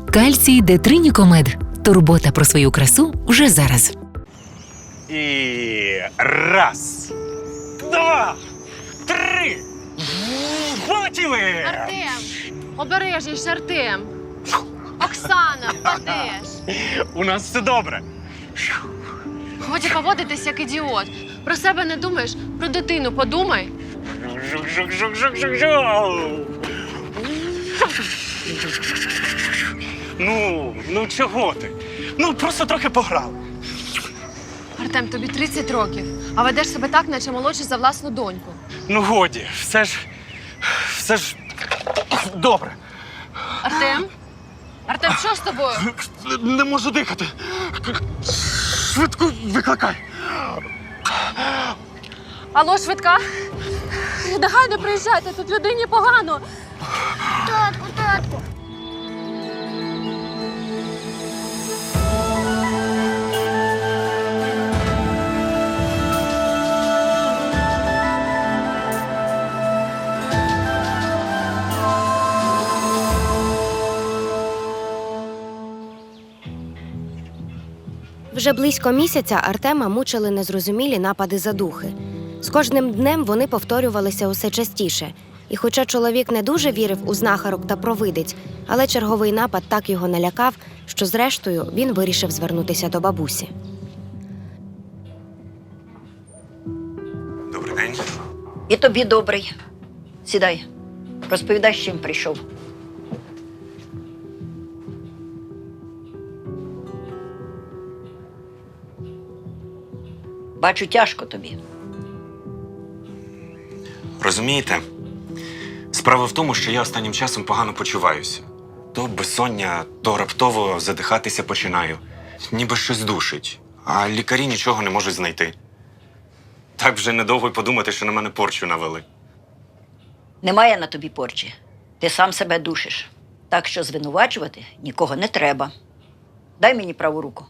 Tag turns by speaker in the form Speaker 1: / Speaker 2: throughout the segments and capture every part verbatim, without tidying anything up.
Speaker 1: Кальцій Детринікомед. Турбота про свою красу вже зараз.
Speaker 2: І раз, два, три. Полетіли!
Speaker 3: Артем! Обережніше, Артем! Оксана, впадеш!
Speaker 2: У нас все добре.
Speaker 3: Годі поводитись як ідіот. Про себе не думаєш, про дитину подумай.
Speaker 2: Жук-жук-жук-жук-жук-жук. Ну, ну чого ти? Ну, просто трохи пограли.
Speaker 3: Артем, тобі тридцять років, а ведеш себе так, наче молодший за власну доньку.
Speaker 2: Ну, годі, все ж, все ж добре.
Speaker 3: Артем? Артем, що з тобою?
Speaker 2: Не можу дихати. Швидку викликай.
Speaker 3: Алло, швидка? Негайно приїжджайте, тут людині погано.
Speaker 4: Татку, татку.
Speaker 5: Вже близько місяця Артема мучили незрозумілі напади задухи. З кожним днем вони повторювалися усе частіше. І хоча чоловік не дуже вірив у знахарок та провидиць, але черговий напад так його налякав, що зрештою він вирішив звернутися до бабусі.
Speaker 6: Добрий день.
Speaker 7: І тобі добрий. Сідай. Розповідай, з чим прийшов. Бачу, тяжко тобі.
Speaker 6: Розумієте, справа в тому, що я останнім часом погано почуваюся. То безсоння, то раптово задихатися починаю. Ніби щось душить, а лікарі нічого не можуть знайти. Так вже недовго й подумати, що на мене порчу навели.
Speaker 7: Немає на тобі порчі. Ти сам себе душиш. Так що звинувачувати нікого не треба. Дай мені праву руку.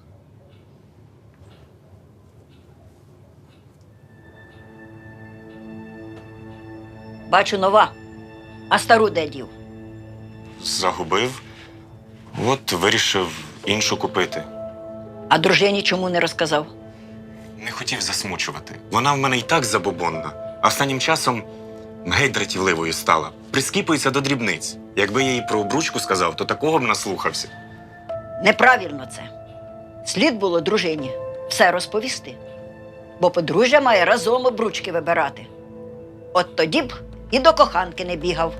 Speaker 7: Бачу, нова. А стару де дів?
Speaker 6: Загубив. От вирішив іншу купити.
Speaker 7: А дружині чому не розказав?
Speaker 6: Не хотів засмучувати. Вона в мене і так забобонна. А останнім часом геть дратівливою стала. Прискіпується до дрібниць. Якби я їй про обручку сказав, то такого б наслухався.
Speaker 7: Неправильно це. Слід було дружині все розповісти. Бо подружжя має разом обручки вибирати. От тоді б і до коханки не бігав.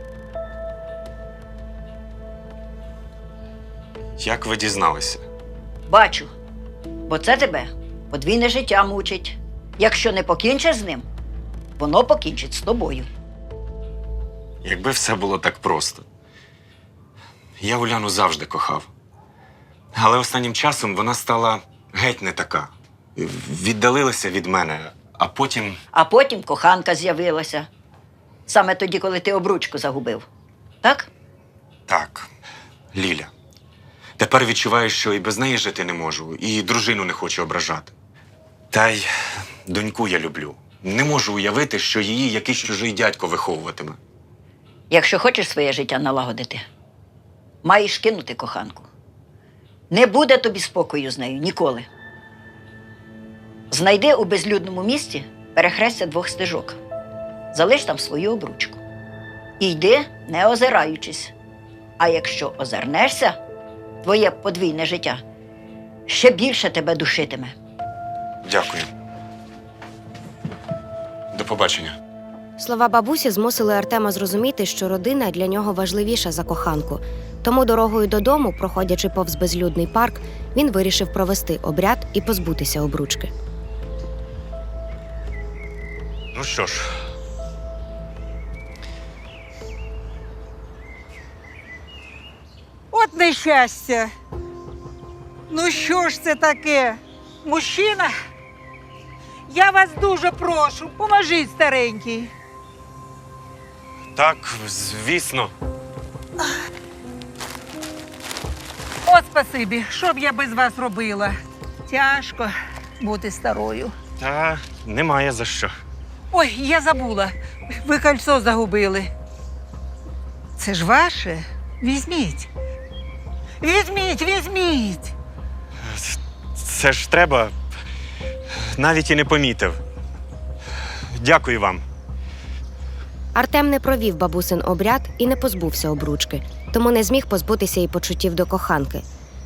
Speaker 6: Як ви дізналися?
Speaker 7: Бачу. Бо це тебе подвійне життя мучить. Якщо не покінчиш з ним, воно покінчить з тобою.
Speaker 6: Якби все було так просто. Я Уляну завжди кохав. Але останнім часом вона стала геть не така. Віддалилася від мене, а потім…
Speaker 7: А потім коханка з'явилася. Саме тоді, коли ти обручку загубив. Так?
Speaker 6: Так, Ліля. Тепер відчуваю, що і без неї жити не можу, і дружину не хочу ображати. Та й доньку я люблю. Не можу уявити, що її якийсь чужий дядько виховуватиме.
Speaker 7: Якщо хочеш своє життя налагодити, маєш кинути коханку. Не буде тобі спокою з нею ніколи. Знайди у безлюдному місці перехрестя двох стежок. Залиш там свою обручку. І йди, не озираючись. А якщо озирнешся, твоє подвійне життя ще більше тебе душитиме.
Speaker 6: Дякую. До побачення.
Speaker 5: Слова бабусі змусили Артема зрозуміти, що родина для нього важливіша за коханку. Тому дорогою додому, проходячи повз безлюдний парк, він вирішив провести обряд і позбутися обручки.
Speaker 6: Ну що ж.
Speaker 8: От нещастя. Ну що ж це таке? Мужчина? Я вас дуже прошу, поможіть, старенький.
Speaker 6: Так, звісно.
Speaker 8: От спасибі, що б я без вас робила? Тяжко бути старою.
Speaker 6: Та немає за що.
Speaker 8: Ой, я забула. Ви кольцо загубили. Це ж ваше? Візьміть. Візьміть, візьміть.
Speaker 6: Це ж треба. Навіть і не помітив. Дякую вам.
Speaker 5: Артем не провів бабусин обряд і не позбувся обручки, тому не зміг позбутися і почуттів до коханки.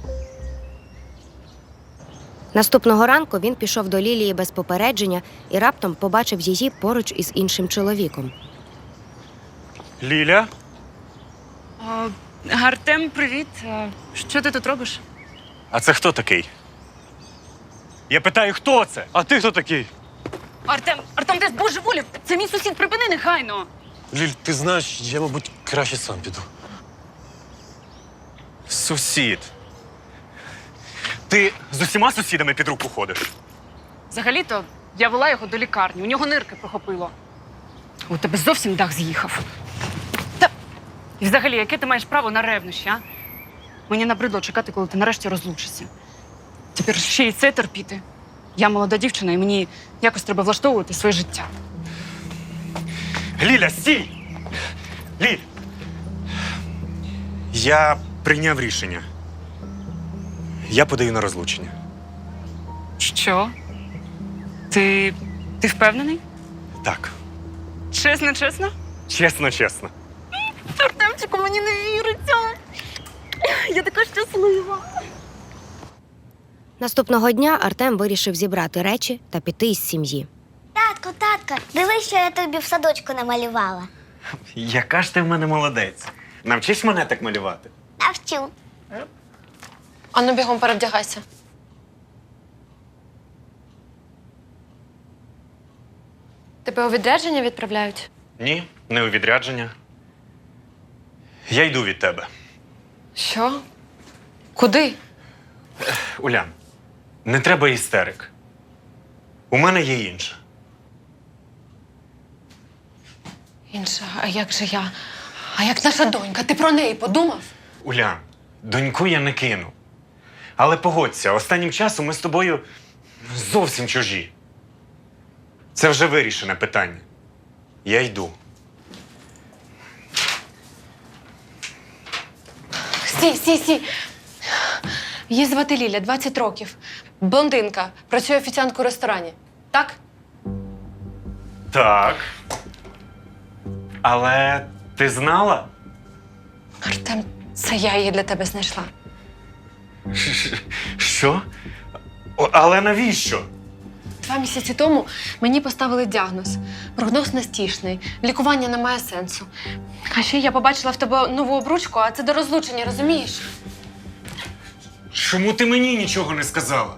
Speaker 5: Наступного ранку він пішов до Лілії без попередження і раптом побачив її поруч із іншим чоловіком.
Speaker 6: Ліля?
Speaker 9: А, Артем, привіт. А, Що ти тут робиш?
Speaker 6: А це хто такий? Я питаю, хто це?
Speaker 2: А ти хто такий?
Speaker 9: Артем, Артем, ти збожеволів! Це мій сусід, припини негайно!
Speaker 2: Ліль, ти знаєш, я, мабуть, краще сам піду.
Speaker 6: Сусід. Ти з усіма сусідами під руку ходиш?
Speaker 9: Взагалі-то я вела його до лікарні, у нього нирки прохопило. У тебе зовсім дах з'їхав. Та і взагалі, яке ти маєш право на ревнощі, а? Мені набридло чекати, коли ти нарешті розлучишся. Тепер ще й це терпіти. Я молода дівчина, і мені якось треба влаштовувати своє життя.
Speaker 6: Ліля, стій! Ліль! Я прийняв рішення. Я подаю на розлучення.
Speaker 9: Що? Ти. ти впевнений?
Speaker 6: Так.
Speaker 9: Чесно, чесно?
Speaker 6: Чесно, чесно.
Speaker 9: Артемчику, мені не віриться. Я така щаслива.
Speaker 5: Наступного дня Артем вирішив зібрати речі та піти із сім'ї.
Speaker 4: Татку, татку, дивись, що я тобі в садочку намалювала.
Speaker 6: Яка ж ти в мене молодець. Навчись мене так малювати.
Speaker 4: Навчу.
Speaker 3: Ану, бігом перевдягайся. Тебе у відрядження відправляють?
Speaker 6: Ні, не у відрядження. Я йду від тебе.
Speaker 3: Що? Куди?
Speaker 6: Улян, не треба істерик. У мене є інша.
Speaker 3: Інша, а як же я? А як наша донька? Ти про неї подумав?
Speaker 6: Улян, доньку я не кину. Але погодься, останнім часом ми з тобою зовсім чужі. Це вже вирішене питання. Я йду.
Speaker 3: Стій, стій, стій. Її звати Ліля, двадцять років. Блондинка, працює офіціанткою у ресторані. Так?
Speaker 6: Так. Але ти знала?
Speaker 3: Артем, це я її для тебе знайшла.
Speaker 6: Ш- Що? О, але навіщо?
Speaker 3: Два місяці тому мені поставили діагноз. Прогноз нестішний, лікування не має сенсу. А ще я побачила в тебе нову обручку, а це до розлучення, розумієш?
Speaker 6: Чому ти мені нічого не сказала?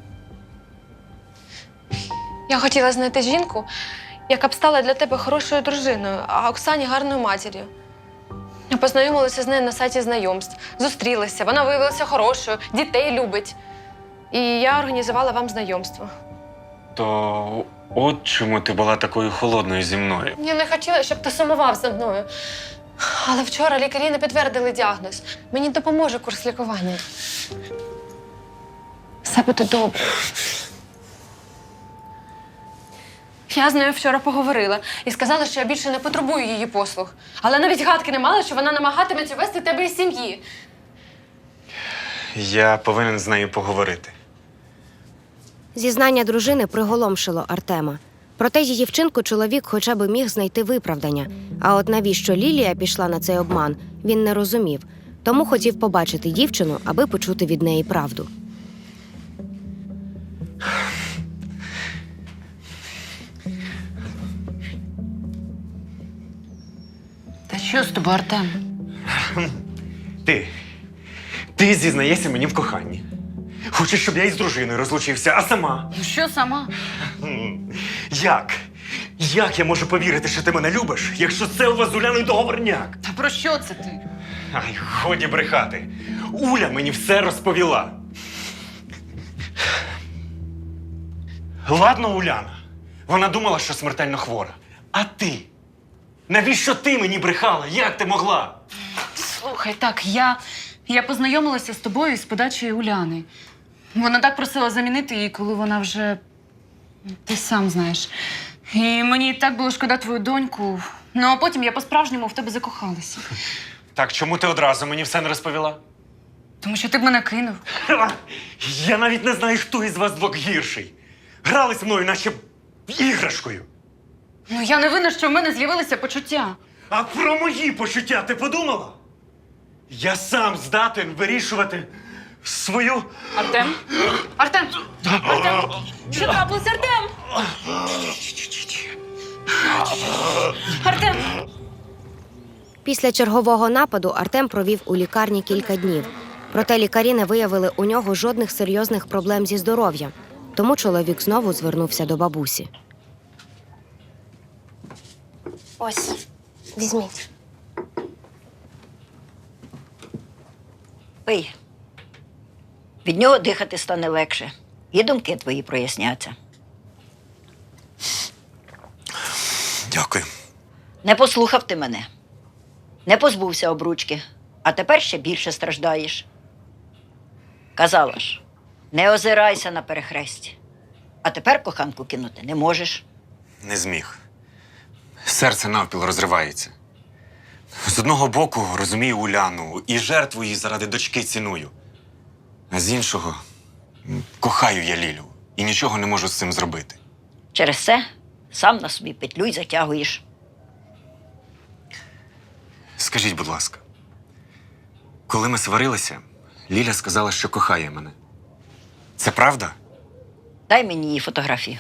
Speaker 3: Я хотіла знайти жінку, яка б стала для тебе хорошою дружиною, а Оксані гарною матір'ю. Я познайомилася з нею на сайті знайомств, зустрілися, вона виявилася хорошою, дітей любить. І я організувала вам знайомство.
Speaker 6: То от чому ти була такою холодною зі мною.
Speaker 3: Я не хотіла, щоб ти сумував за мною. Але вчора лікарі не підтвердили діагноз. Мені допоможе курс лікування. Все буде добре. Я з нею вчора поговорила і сказала, що я більше не потребую її послуг. Але навіть гадки не мала, що вона намагатиметься вести тебе із сім'ї.
Speaker 6: Я повинен з нею поговорити.
Speaker 5: Зізнання дружини приголомшило Артема. Проте її вчинку чоловік хоча б міг знайти виправдання. А от навіщо Лілія пішла на цей обман, він не розумів. Тому хотів побачити дівчину, аби почути від неї правду.
Speaker 9: Та що з тобою, Артем?
Speaker 6: Ти. Ти зізнаєшся мені в коханні. Хочеш, щоб я із дружиною розлучився, а сама?
Speaker 9: Ну що сама?
Speaker 6: М, Як? Як я можу повірити, що ти мене любиш, якщо це у вас з Уляною договорняк?
Speaker 9: Та про що це ти?
Speaker 6: Ай, годі брехати. Уля мені все розповіла. Ладно, Уляна. Вона думала, що смертельно хвора. А ти? Навіщо ти мені брехала? Як ти могла?
Speaker 9: Слухай, так, я, я познайомилася з тобою з подачею Уляни. Вона так просила замінити її, коли вона вже… Ти сам знаєш. І мені так було шкода твою доньку. Ну, а потім я по-справжньому в тебе закохалася.
Speaker 6: Так, чому ти одразу мені все не розповіла?
Speaker 9: Тому Тому що ти б мене кинув.
Speaker 6: Ха! Я навіть не знаю, хто із вас двох гірший. Грались мною, наче іграшкою.
Speaker 9: Ну я не винна, що в мене з'явилися почуття.
Speaker 6: А про мої почуття ти подумала? Я сам здатен вирішувати свою.
Speaker 9: Артем? Артем! Артем! Що трапилось, Артем? Артем!
Speaker 5: Після чергового нападу Артем провів у лікарні кілька днів. Проте лікарі не виявили у нього жодних серйозних проблем зі здоров'ям. Тому чоловік знову звернувся до бабусі.
Speaker 4: Ось, візьміть.
Speaker 7: Пий. Від нього дихати стане легше. І думки твої проясняться.
Speaker 6: Дякую.
Speaker 7: Не послухав ти мене. Не позбувся обручки, а тепер ще більше страждаєш. Казала ж, не озирайся на перехресті. А тепер коханку кинути не можеш.
Speaker 6: Не зміг. Серце навпіл розривається. З одного боку розумію Уляну і жертву її заради дочки ціную. А з іншого м, кохаю я Лілю і нічого не можу з цим зробити.
Speaker 7: Через це сам на собі петлю й затягуєш.
Speaker 6: Скажіть, будь ласка, коли ми сварилися, Ліля сказала, що кохає мене. Це правда?
Speaker 7: Дай мені її фотографію.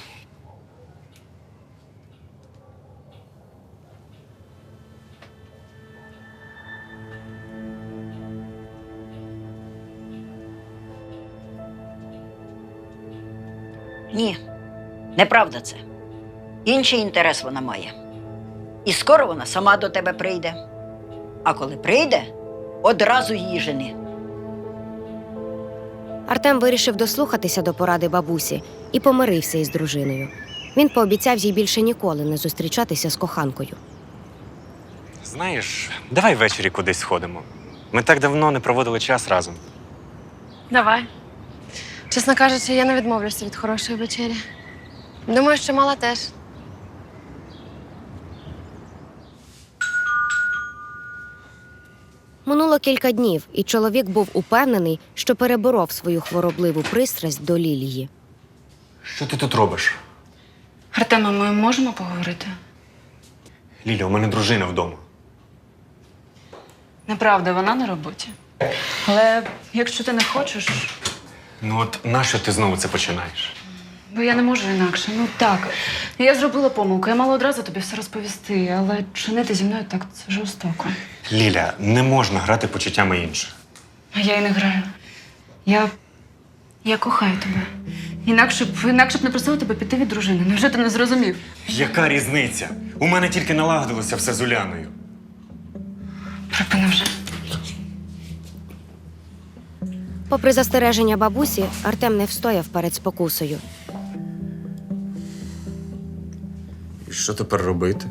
Speaker 7: Ні, неправда це. Інший інтерес вона має. І скоро вона сама до тебе прийде. А коли прийде, одразу її жени.
Speaker 5: Артем вирішив дослухатися до поради бабусі і помирився із дружиною. Він пообіцяв їй більше ніколи не зустрічатися з коханкою.
Speaker 6: Знаєш, давай ввечері кудись сходимо. Ми так давно не проводили час разом.
Speaker 3: Давай. Чесно кажучи, я не відмовлюся від хорошої вечері. Думаю, що мала теж.
Speaker 5: Минуло кілька днів, і чоловік був упевнений, що переборов свою хворобливу пристрасть до Лілії.
Speaker 6: Що ти тут робиш?
Speaker 9: Артема, ми можемо поговорити?
Speaker 6: Ліля, у мене дружина вдома.
Speaker 9: Неправда, вона на роботі. Але якщо ти не хочеш,
Speaker 6: Ну от нащо ти знову це починаєш?
Speaker 9: бо я не можу інакше. Ну так, я зробила помилку, я мала одразу тобі все розповісти, але чинити зі мною так це жорстоко.
Speaker 6: Ліля, не можна грати почуттями інших.
Speaker 9: А я і не граю. Я. Я кохаю тебе. Інакше б інакше б не просила тебе піти від дружини. Невже ти не зрозумів?
Speaker 6: Яка різниця? У мене тільки налагодилося все з Уляною.
Speaker 9: Припини вже.
Speaker 5: Попри застереження бабусі, Артем не встояв перед спокусою.
Speaker 6: І що тепер робити?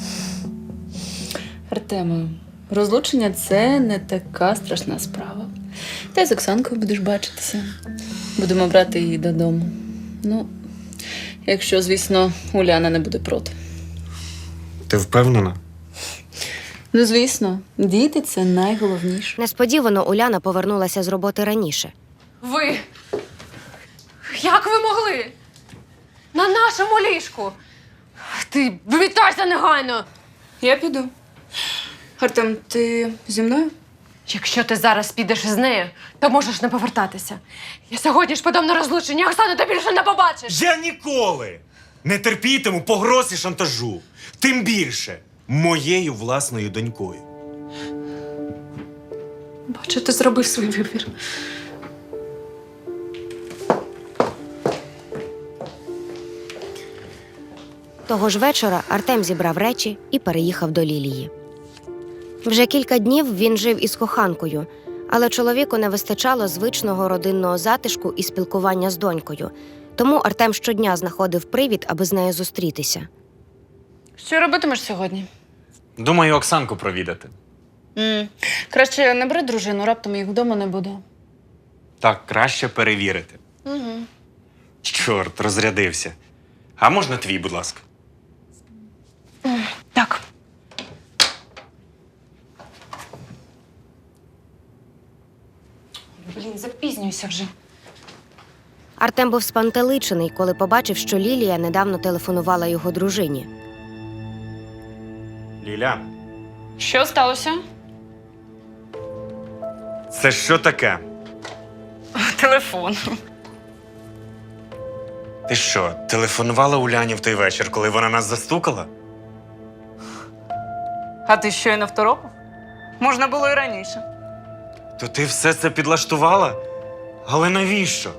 Speaker 10: Артема, розлучення – це не така страшна справа. Ти з Оксанкою будеш бачитися. Будемо брати її додому. Ну, якщо, звісно, Уляна не буде проти.
Speaker 6: Ти впевнена?
Speaker 10: Ну, звісно, діти – це найголовніше.
Speaker 5: Несподівано Уляна повернулася з роботи раніше.
Speaker 3: Ви? Як ви могли? На нашому ліжку? Ти вимітайся негайно!
Speaker 10: Я піду. Артем, ти зі мною?
Speaker 3: Якщо ти зараз підеш із нею, то можеш не повертатися. Я сьогодні ж подам на розлучення, Оксану ти більше не побачиш!
Speaker 6: Я ніколи не терпітиму погроз і шантажу. Тим більше моєю власною донькою.
Speaker 10: Бачу, ти зробив свій вибір.
Speaker 5: Того ж вечора Артем зібрав речі і переїхав до Лілії. Вже кілька днів він жив із коханкою, але чоловіку не вистачало звичного родинного затишку і спілкування з донькою. Тому Артем щодня знаходив привід, аби з нею зустрітися.
Speaker 9: Що робитимеш сьогодні?
Speaker 6: Думаю, Оксанку провідати.
Speaker 10: М. Краще не бери дружину, раптом їх вдома не буде.
Speaker 6: Так, краще перевірити.
Speaker 3: Угу.
Speaker 6: Чорт, розрядився. А можна твій, будь ласка?
Speaker 9: Так. Блін, запізнююся вже.
Speaker 5: Артем був спантеличений, коли побачив, що Лілія недавно телефонувала його дружині.
Speaker 6: Ліля,
Speaker 9: Що сталося?
Speaker 6: це що таке?
Speaker 9: Телефон.
Speaker 6: Ти що, телефонувала Уляні в той вечір, коли вона нас застукала?
Speaker 9: А ти щойно второпав? Можна було і раніше.
Speaker 6: То ти все це підлаштувала? Але навіщо?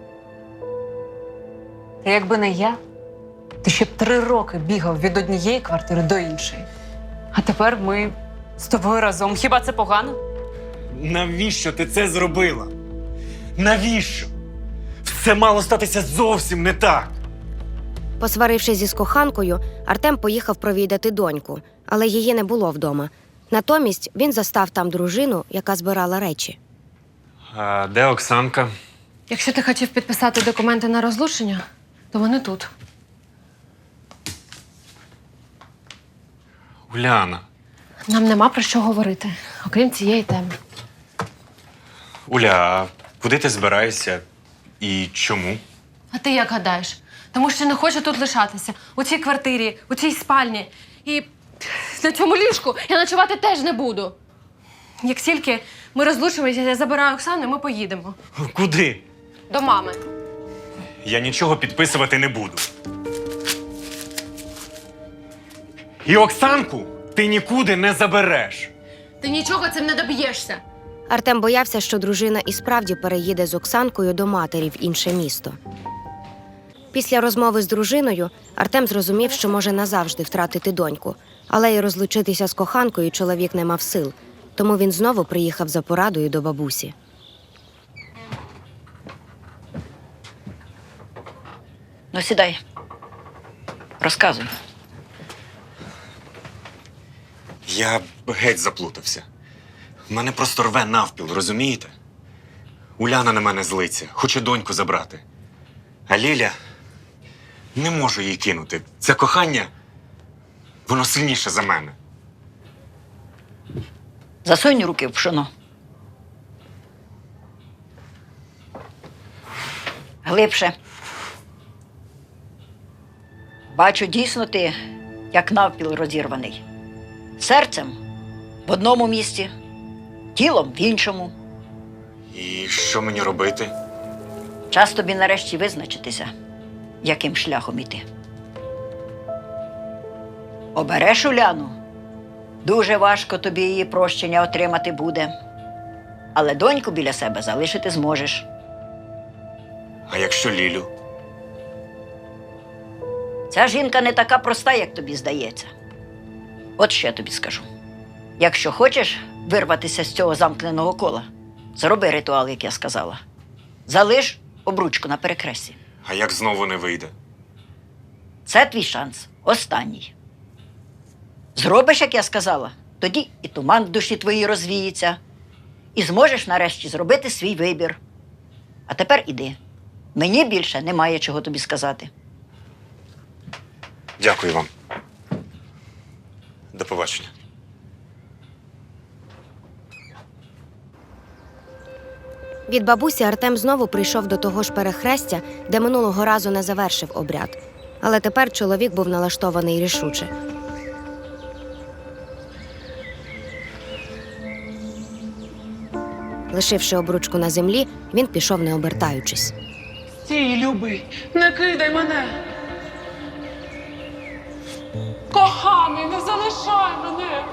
Speaker 9: Та якби не я, ти ще б три роки бігав від однієї квартири до іншої. А тепер ми з тобою разом. Хіба це погано?
Speaker 6: Навіщо ти це зробила? Навіщо? Все мало статися зовсім не так.
Speaker 5: Посварившись зі коханкою, Артем поїхав провідати доньку, але її не було вдома. Натомість він застав там дружину, яка збирала речі.
Speaker 6: А де Оксанка?
Speaker 3: Якщо ти хотів підписати документи на розлучення, то вони тут.
Speaker 6: Уляна.
Speaker 3: Нам нема про що говорити, окрім цієї теми.
Speaker 6: Уля, а куди ти збираєшся? І чому?
Speaker 3: А ти як гадаєш? Тому що не хочу тут лишатися. У цій квартирі, у цій спальні. І на цьому ліжку я ночувати теж не буду. Як тільки ми розлучимося, я забираю Оксану, і ми поїдемо.
Speaker 6: Куди?
Speaker 3: До мами.
Speaker 6: Я нічого підписувати не буду. І Оксанку ти нікуди не забереш.
Speaker 3: Ти нічого цим не доб'єшся.
Speaker 5: Артем боявся, що дружина і справді переїде з Оксанкою до матері в інше місто. Після розмови з дружиною Артем зрозумів, що може назавжди втратити доньку, але й розлучитися з коханкою чоловік не мав сил, тому він знову приїхав за порадою до бабусі.
Speaker 7: Ну, сідай. Розказуй.
Speaker 6: Я геть заплутався. Мене просто рве навпіл, розумієте? Уляна на мене злиться, хоче доньку забрати. А Ліля, не можу її кинути. Це кохання, воно сильніше за мене.
Speaker 7: Засунь руки в пшоно. Глибше. Бачу, дійсно ти, як навпіл розірваний. Серцем в одному місці, тілом в іншому.
Speaker 6: І що мені робити?
Speaker 7: Час тобі нарешті визначитися, яким шляхом іти. Обереш Уляну, дуже важко тобі її прощення отримати буде. Але доньку біля себе залишити зможеш.
Speaker 6: А якщо Лілю?
Speaker 7: Ця жінка не така проста, як тобі здається. От що я тобі скажу. Якщо хочеш вирватися з цього замкненого кола, зроби ритуал, як я сказала. Залиш обручку на перехресті.
Speaker 6: А як знову не вийде?
Speaker 7: Це твій шанс. Останній. Зробиш, як я сказала, тоді і туман в душі твоїй розвіється, і зможеш нарешті зробити свій вибір. А тепер іди. Мені більше немає чого тобі сказати.
Speaker 6: Дякую вам. До побачення.
Speaker 5: Від бабусі Артем знову прийшов до того ж перехрестя, де минулого разу не завершив обряд. Але тепер чоловік був налаштований рішуче. Лишивши обручку на землі, він пішов, не обертаючись.
Speaker 11: Стій, любий, не кидай мене. Коханий, не залишай мене.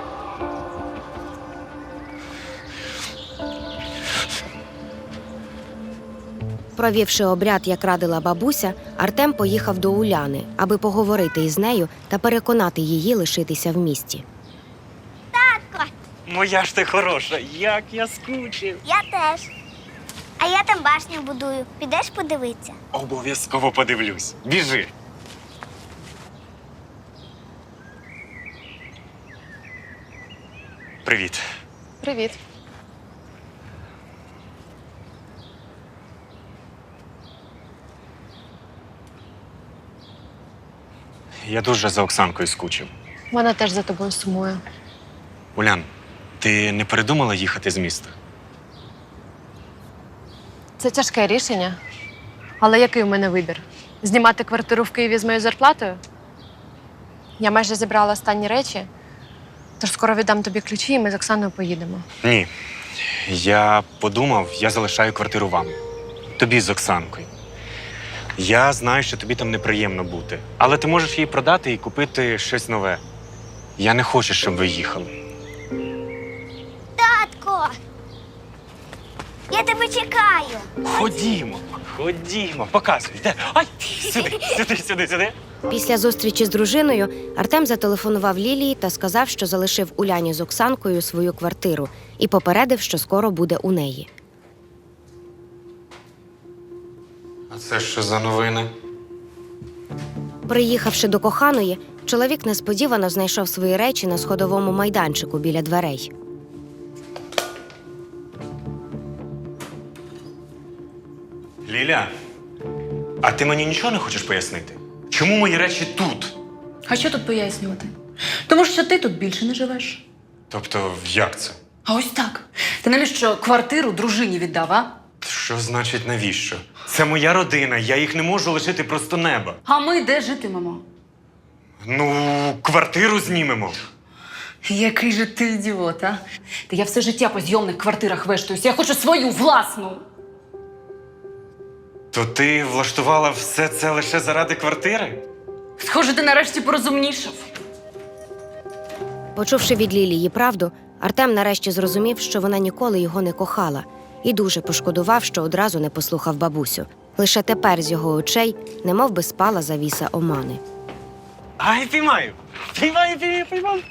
Speaker 5: Провівши обряд, як радила бабуся, Артем поїхав до Уляни, аби поговорити із нею та переконати її лишитися в місті.
Speaker 6: Моя ж ти хороша, як я скучив.
Speaker 4: Я теж. А я там башню будую. Підеш подивитися?
Speaker 6: Обов'язково подивлюсь. Біжи. Привіт.
Speaker 3: Привіт.
Speaker 6: Я дуже за Оксанкою скучив.
Speaker 3: Вона теж за тобою сумує.
Speaker 6: Улян, ти не передумала їхати з міста?
Speaker 3: Це тяжке рішення. Але який у мене вибір? Знімати квартиру в Києві з моєю зарплатою? Я майже зібрала останні речі, тож скоро віддам тобі ключі, і ми з Оксаною поїдемо.
Speaker 6: Ні. Я подумав, я залишаю квартиру вам. Тобі з Оксанкою. Я знаю, що тобі там неприємно бути. Але ти можеш її продати і купити щось нове. Я не хочу, щоб ви їхали.
Speaker 4: Татко! Я тебе чекаю.
Speaker 6: Ходімо, ходімо, показуй. Де? Ай, сюди, сюди, сюди, сюди.
Speaker 5: Після зустрічі з дружиною Артем зателефонував Лілії та сказав, що залишив Уляні з Оксанкою свою квартиру і попередив, що скоро буде у неї.
Speaker 6: А це що за новини?
Speaker 5: Приїхавши до коханої, чоловік несподівано знайшов свої речі на сходовому майданчику біля дверей.
Speaker 6: Ліля, а ти мені нічого не хочеш пояснити? Чому мої речі тут?
Speaker 10: А що тут пояснювати? Тому що ти тут більше не живеш.
Speaker 6: Тобто, як це?
Speaker 10: А ось так. Ти навіщо квартиру дружині віддав, а?
Speaker 6: Що значить навіщо? Це моя родина, я їх не можу лишити просто неба.
Speaker 10: А ми де житимемо?
Speaker 6: Ну, квартиру знімемо.
Speaker 10: Який же ти ідіот, а? Та я все життя по зйомних квартирах вештуюсь. Я хочу свою власну.
Speaker 6: То ти влаштувала все це лише заради квартири?
Speaker 10: Схоже, ти нарешті порозумнішав.
Speaker 5: Почувши від Лілії правду, Артем нарешті зрозумів, що вона ніколи його не кохала, і дуже пошкодував, що одразу не послухав бабусю. Лише тепер з його очей немов би спала завіса омани.
Speaker 2: Ай, піймаю! Піймаю, піймаю, піймаю!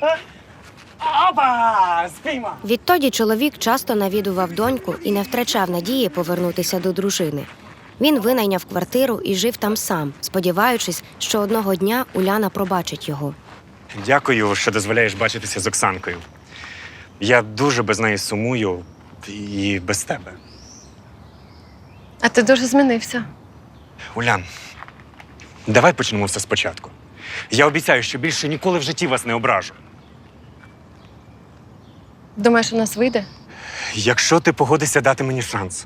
Speaker 2: Опа! Спіймав!
Speaker 5: Відтоді чоловік часто навідував доньку і не втрачав надії повернутися до дружини. Він винайняв квартиру і жив там сам, сподіваючись, що одного дня Уляна пробачить його.
Speaker 6: Дякую, що дозволяєш бачитися з Оксанкою. Я дуже без неї сумую і без тебе.
Speaker 3: А ти дуже змінився.
Speaker 6: Улян, давай почнемо все спочатку. Я обіцяю, що більше ніколи в житті вас не ображу.
Speaker 3: Думаєш, у нас вийде?
Speaker 6: Якщо ти погодишся дати мені шанс.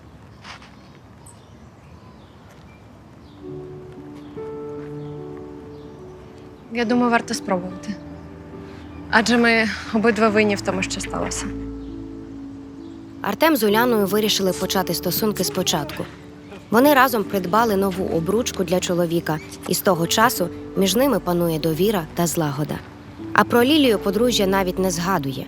Speaker 3: Я думаю, варто спробувати. Адже ми обидва винні в тому, що сталося.
Speaker 5: Артем з Уляною вирішили почати стосунки спочатку. Вони разом придбали нову обручку для чоловіка, і з того часу між ними панує довіра та злагода. А про Лілію подружжя навіть не згадує.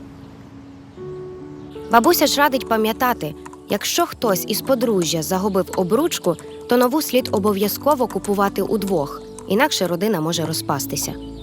Speaker 5: Бабуся ж радить пам'ятати, якщо хтось із подружжя загубив обручку, то нову слід обов'язково купувати удвох, інакше родина може розпастися.